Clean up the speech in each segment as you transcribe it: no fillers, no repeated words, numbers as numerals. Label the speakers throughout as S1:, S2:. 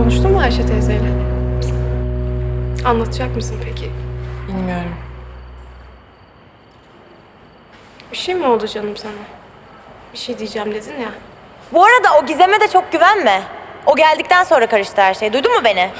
S1: Konuştun mu Ayşe teyzeyle? Anlatacak mısın peki?
S2: Bilmiyorum.
S1: Bir şey mi oldu canım sana? Bir şey diyeceğim dedin ya.
S3: Bu arada o Gizem'e de çok güvenme. O geldikten sonra karıştı her şey. Duydun mu beni?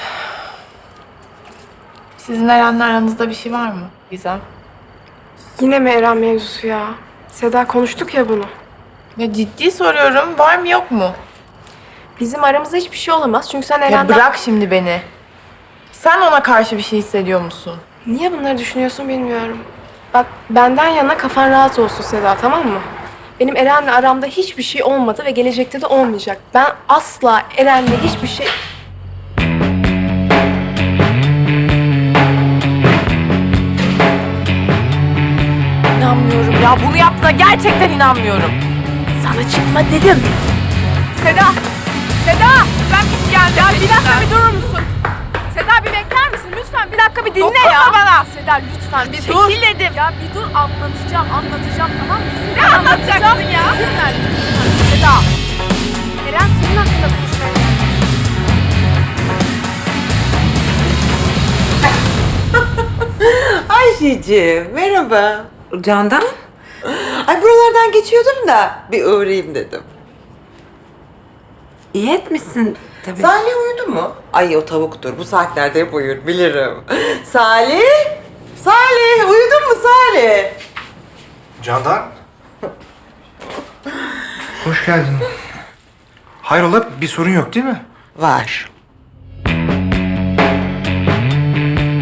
S2: Sizin Eren'le aranızda bir şey var mı Gizem?
S1: Yine mi Eren mevzusu ya? Seda konuştuk ya bunu.
S2: Ya ciddi soruyorum. Var mı yok mu?
S1: Bizim aramızda hiçbir şey olamaz çünkü sen
S2: Ya
S1: Eren'den...
S2: bırak şimdi beni. Sen ona karşı bir şey hissediyor musun?
S1: Niye bunları düşünüyorsun bilmiyorum. Bak benden yana kafan rahat olsun Seda, tamam mı? Benim Eren'le aramda hiçbir şey olmadı ve gelecekte de olmayacak. Ben asla Eren'le hiçbir şey...
S2: İnanmıyorum ya. Bunu yaptığına gerçekten inanmıyorum.
S1: Sana çıkma dedim.
S2: Seda! Seda! Ben bir geldim. Ya bir dakika bir durur musun? Seda bir bekler misin? Lütfen bir dakika bir dinle
S3: Dokunma
S2: ya.
S3: bana.
S2: Seda lütfen bir
S3: Dur.
S2: çekil dedim. Ya bir dur anlatacağım tamam mı? Ne anlatacaksın ya? İzin ver lütfen. Seda! Eren senin hakkında konuşmaya
S4: Ayşeciğim, merhaba. Candan? Ay buralardan geçiyordum da bir uğrayayım dedim.
S5: İyi etmişsin tabii.
S4: Salih uyudu mu? Ay o tavuktur. Bu saatlerde hep uyur, bilirim. Salih? Salih, uyudun mu Salih?
S6: Candan. Hoş geldin. Hayrola bir sorun yok değil mi?
S4: Var.